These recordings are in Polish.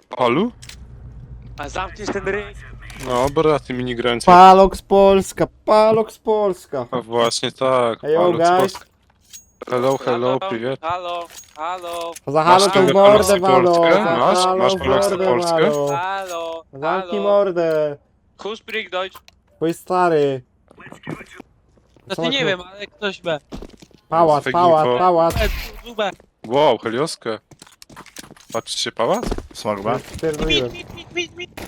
Palu? A zamkniesz ten ryj. No, braty minigrańcy. Palox Polska, Palox Polska. A właśnie tak. Hejo, Palu z guys. Polski. Hello, hello, Halo, привет. Halo, halo, Za halo Masz tą tę mordę Paloxy walą. Polskę? Za Masz? halo Masz Paloxy mordę Polskę? walą. halo, Zamknij halo. mordę. Who speak Deutsch? Twój stary. Znaczy nie wiem, ale ktoś B. Pałac, Fake pałac, info. pałac. B. Wow, helioskę. Patrzcie, pałac? Smog B. Pierdoliłem. Mit.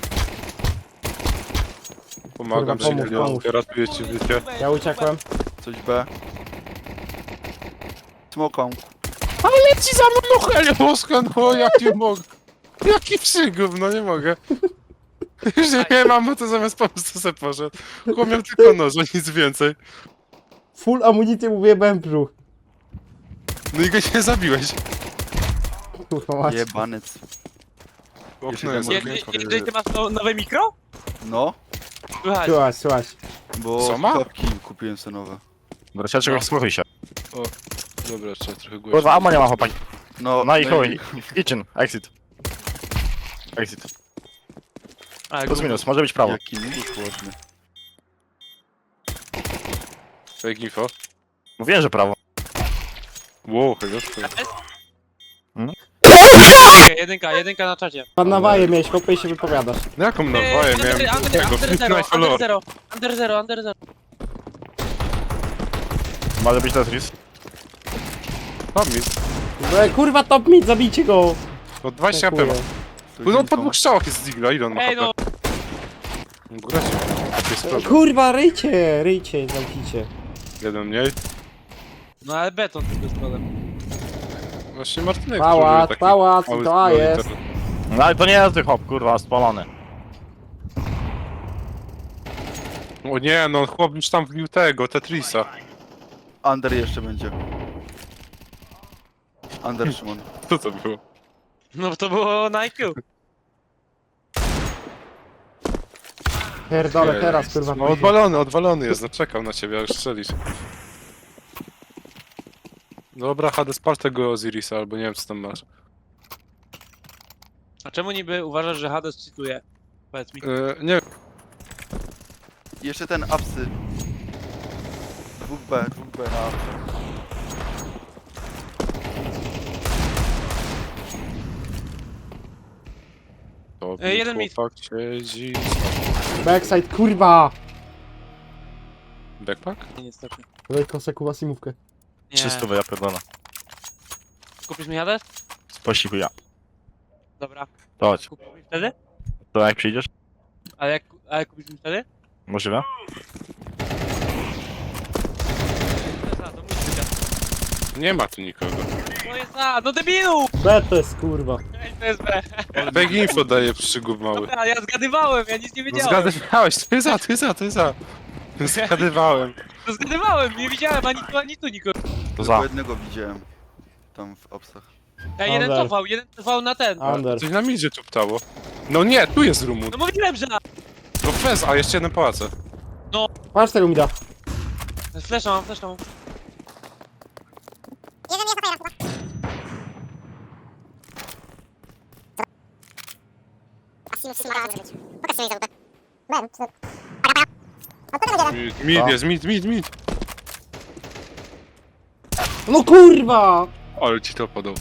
Pomagam Kurwa, ci, pomóż, helioskę, ratuję ci życie. Ja uciekłem. Coś B. Smoką. Ale leci za mną helioskę, no jak nie mogę. Jaki przygód, no nie mogę. Już nie mam, bo to zamiast pomóc to se poszedł. Chłop miał tylko noże, nic więcej. Full amunicję mu wyjebałem w brzuch. No i go nie zabiłeś. Kurwa mać. Jebanec. Okno jest Kiedy- okienko. Kiedy ty masz nowe mikro? No, Słuchaj. Słuchaj, słuchaj. bo Co ma? klapki kupiłem sobie nowe. Bracia, czego wsłuchuj się. O, dobra, trzeba trochę głośniej. Kurwa, ammo nie ma chłopaki. No i chuj. Kitchen, exit. Exit. A, Plus minus, może być prawo. Jaki minus ładny. Fake info. Mówiłem, że prawo. Wow, helioskę. Jedynka na czacie. Pan na waje miałeś, chłopie, i się wypowiadasz. No jaką nawaję miałem tego, Under zero. Może być Tetris. Tam mi. Kurwa, top mid, zabijcie go. No 20 AP ma. Dziękuję. No po dwóch strzałach jest z Digla, ile on ma Ej HP? no, Góra się. Jest problem. Kurwa, ryjcie, zamknijcie. Jeden mniej. no ale beton tylko jest problem. Właśnie Martynek Pałac, taki pałac, mały to jest. internet. No ale to nie jest hop, kurwa, spalony. O nie, no chłop już tam wbił tego, Tetrisa. Under jeszcze będzie. Under Szymon. Co to było? No to było na IQ. Pierdolę, teraz kurwa. No odwalony jest, no czekał na ciebie, aż strzelisz. Dobra, Hades, pal tego Osirisa, albo nie wiem co tam masz. A czemu niby uważasz, że Hades cytuje? Powiedz mi. Nie wiem, Jeszcze ten apsy. 2B na apsy. to jeden mit. chłopak siedzi... Backside, kurwa. Backpack? Nie, niestety. Daj kosę, kuba simówkę. Nie. 300 ja pierdolę. Kupisz mi Hades? Spościchu ja. Dobra. To chodź. Kupisz mi wtedy? To jak przyjdziesz? Ale kupisz mi wtedy? Możliwe? To musi być. Nie ma tu nikogo. To jest A, no debilu! B to jest kurwa. Ej, to jest B. Back info daje przygód mały. Dobra, ja zgadywałem, ja nic nie No wiedziałem. zgadywałeś, to jest za. Zgadywałem. No zgadywałem, nie widziałem ani tu nikogo. To Tylko za. jednego widziałem. Tam w apsach. Ej, jeden Under. cofał na ten. Under. Coś na midzie tu ptało. No nie, tu jest Rumun. No mówiłem, że na... No fez, a jeszcze jeden pałace. Patrz tego mida. Flesza mam. Mid. No kurwa! Ale ci to podał.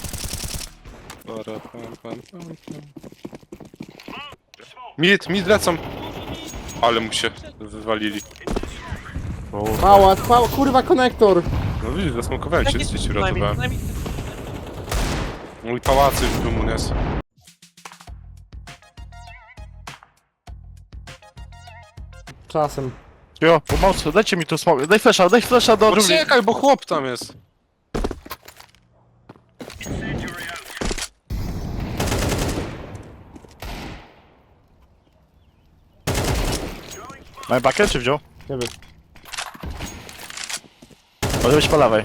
Mid lecą. Ale mu się wywalili. Pałac, kurwa, konektor. No widzisz, zasmokowałem się, z ci uratowałem. Najmniej- Mój pałacy w Rumun jest. Czasem. Jo, pomocy, dajcie mi tu smog. Daj flasha do dżungli. Poczekaj, bo chłop tam jest. Mamy pakę czy wziął? Nie wiem. Może być po lewej.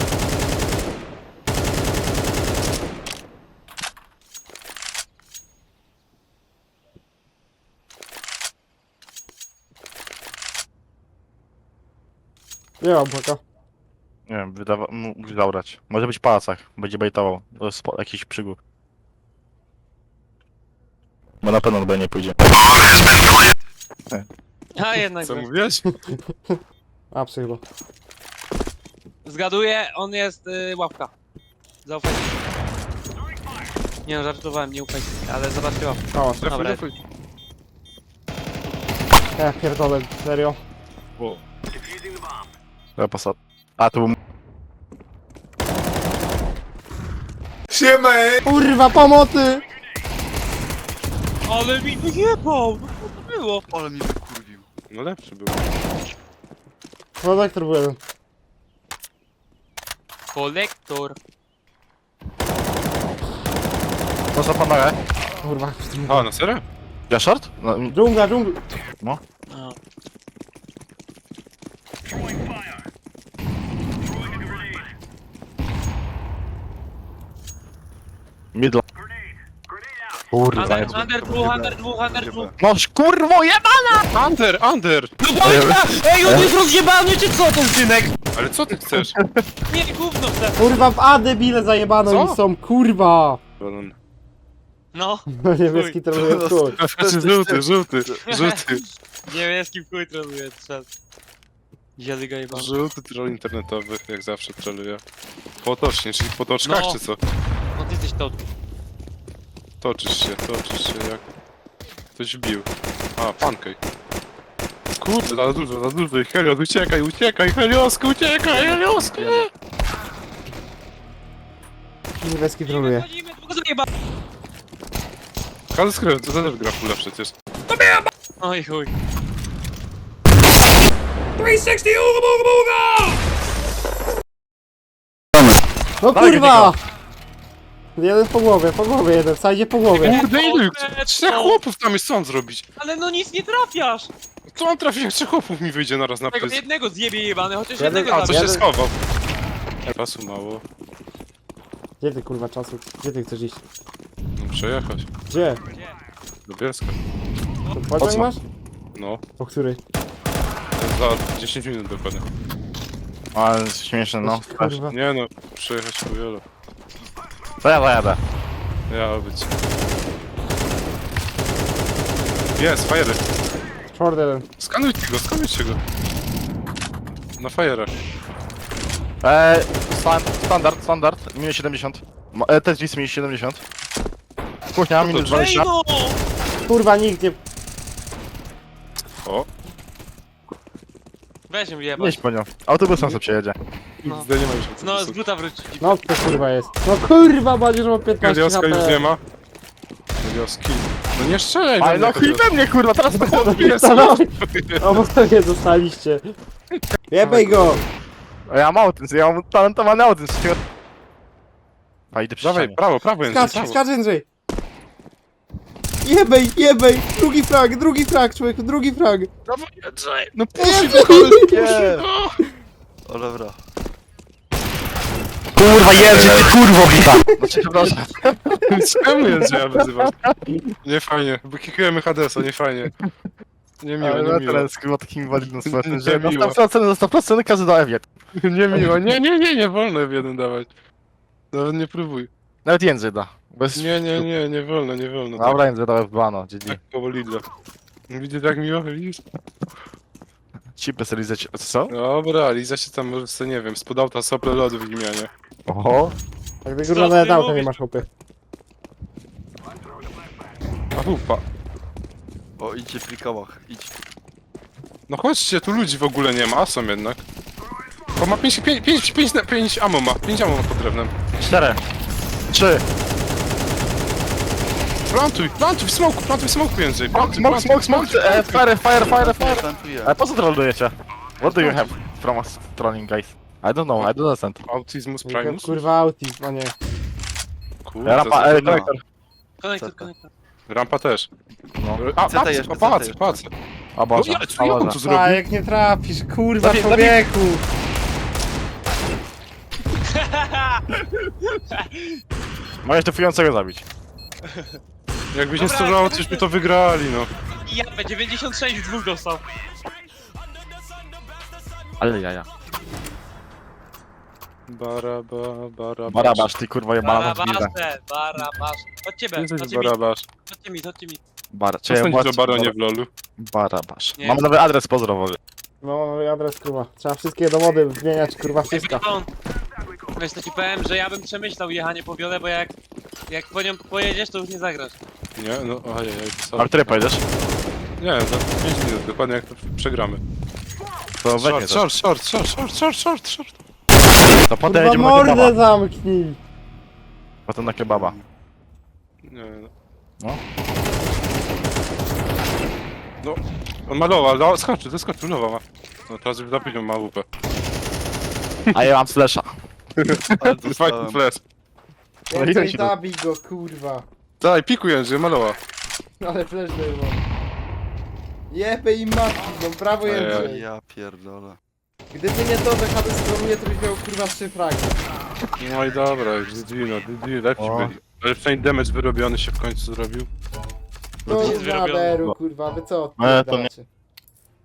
Nie mam paka. Nie wiem, mógł zabrać. Może być w pałacach, będzie bejtował. To jest jakiś przygód. Bo na pewno B nie pójdzie. A jednak. Co mówiłeś? Apsy chyba. Zgaduję, on jest łapka. Zaufajcie. Nie no, żartowałem, nie ufajcie, ale zobaczcie łapkę. Pałac. Dobra. Trafuj. Ja pierdolę, serio. O, Ja posad. A, to był... Kurwa, pomocy! Ale mi wyjebał! No co to było? Ale mi wykurwił. no lepszy był. Konektor był jeden. Kolektor. Można panowie? Kurwa, A, na serio? Ja short? No, dżungla, dżungla. A. middle. Kurwa, Under, jest... under dwóch, under dwóch, under dwóch. No kurwo, jeba! Under! Ej, on jest rozjebany, czy co ten synek? Ale co ty chcesz? Nie, gówno chcę. Kurwa, w A debile zajebane Co? oni są, kurwa! Balon. No, No niebieski troluje w chuj. Żółty. niebieski w chuj troluje, trzeba. Zielony go jebany. Żółty troll internetowy, jak zawsze troluje. Potocznie, czyli po toczkach, No. czy co? No ty jesteś to. Toczysz się jak... Ktoś wbił. A, pancake. Kurde, za dużo. Helios, uciekaj, Heliosku, uciekaj, Heliosku! Niebieski troluje. Chodzimy, dwóch zajeba. Każdy skrywa, to też gra fulla przecież. Oj chuj. No Dawaj, kurwa! Jeden po głowie jeden, sajdzie po głowie. Kurde, ilu? Kurde, Trzech co? chłopów tam jest, co on zrobić? Ale no nic nie trafiasz. Co on trafi, jak trzech chłopów mi wyjdzie naraz na Tego pysk? jednego zjebie jebany, chociaż Jeden- jednego A, co zabił. się schował? Czasu mało. Gdzie ty kurwa czasu? Gdzie ty chcesz iść? No, przejechać. Gdzie? Do Bielska. To Po pociąg co? masz? No, Po której? za 10 minut dokładnie. Ale jest śmieszne, no. Kurwa. Nie no, przejechać po wielu. To ja zajadę. Ja być. Jest, fajery. Short jeden. Skanujcie go. Na fajerach. Standard, minus 70. Tetris minus 70. Kuchnia, minus to- Ej 20. no! Kurwa, nikt nie... O, Weź ją jebać. Nieś po nią. Autobusem sobie przejedzie. No. XD nie ma już. No, z buta wróci. No to kurwa jest. No kurwa, będziesz ma 15 Helioska już nie HP. ma. Helioski. No nie strzelaj Ale do no mnie, chuj we mnie, kurwa, teraz to Jest, Oboje dostaliście. Jebej go! Ja mam autyzm, ja mam talentowany autyzm. A idę przy Dawaj, ścianie. prawo, Jędrzej, prawo. Skacz Andrzej! Jebej! Drugi frag, człowieku, drugi frag! Dawaj, Jędrzej. No Nie. O dobra. Kurwa, Jerzy, ty kurwo bita! Znaczy, przepraszam. Czemu Jędrzeja wyzywasz? Nie fajnie, bo kikujemy Hadesa, nie fajnie. Nie miło, Ale nie no miło. teraz kurwa takim inwalidnym społecznym, Nie że miło. na 100% każdy da Ewiet. Nie miło, nie wolno w jeden dawać. Nawet nie próbuj. Nawet Jędrzej da. Bez... Nie wolno. Dobra, Jędrzej dałem w bano, GG. Tak koło Lidla. Widzisz jak miło, widzisz? Chipy sobie lizać, co są? Dobra, Liza się tam może sobie, nie wiem, spod auta sople lodu w imianie. Oho. Jak ty Co kurwa ty nawet auta nie mówisz? masz hopy. A hupa. O, idźcie w rikałach, idź. No chodźcie, tu ludzi w ogóle nie ma, a są jednak. Bo ma 5 ammo ma, 5 ammo ma pod drewnem. 4. 3. Plantuj w smoku Jędrzej. Smoke, fire. Plantuję. A po co trollujecie? What do you have from us trolling, guys? I don't know, I don't understand. Autismus Primus? Kurwa autism, a nie. Kurde, Rampa, za- konektor. Konektor. Rampa też. No. A, CT jeszcze, pałac. O No Boże, ja, co ja on tu A zrobił? jak nie trafisz, kurwa Zabij- człowieku! Możesz defującego zabić. Jakbyś nie sterował, coś by to wygrali, no. Ja 96 w dwóch dostał. Ale jaja. Barabasz. ty kurwa jebana na chwilę. Barabasze. Chodźcie B, Jesteś chodźcie mi, barabasz. chodźcie mi. Bar. Co sądzisz o baronie w lolu? Barabasz. Nie. Mam nowy adres pozdrowowy. No i adres kurwa. Trzeba wszystkie dowody zmieniać kurwa wszystko. Baron, wiesz, to ci powiem, że ja bym przemyślał jechanie po wiole, bo jak po nią pojedziesz, to już nie zagrasz. Nie? No ojej, A w której pojedziesz? Nie, za 5 minut, dokładnie jak to przegramy. To weźmie to. Short. To potem Kurwa jedziemy na mordę kebaba. zamknij! Mm. Potem na kebaba. Nie, no. No. No, on ma lowa, no, zeskoczył, lowa ma. No teraz już za późno ma łupę. A ja mam slasha. Ale Fajny dostałem. flash. No i Więcej ci to- zabij go kurwa. Daj, pikuj Jędrzej, ma lowa. Ale flash był. Jebę i matki, no brawo Ojej. Jędrzej. Ja pierdolę. Gdyby nie to, że Hades stronuje, to byś miał kurwa 3 fragi. No i dobra, już GG, no GG, lepsi O. byli. Ale przynajmniej damage wyrobiony się w końcu zrobił. No nic już wyrobione. naderu kurwa, wy co to nie- odpierdalacie?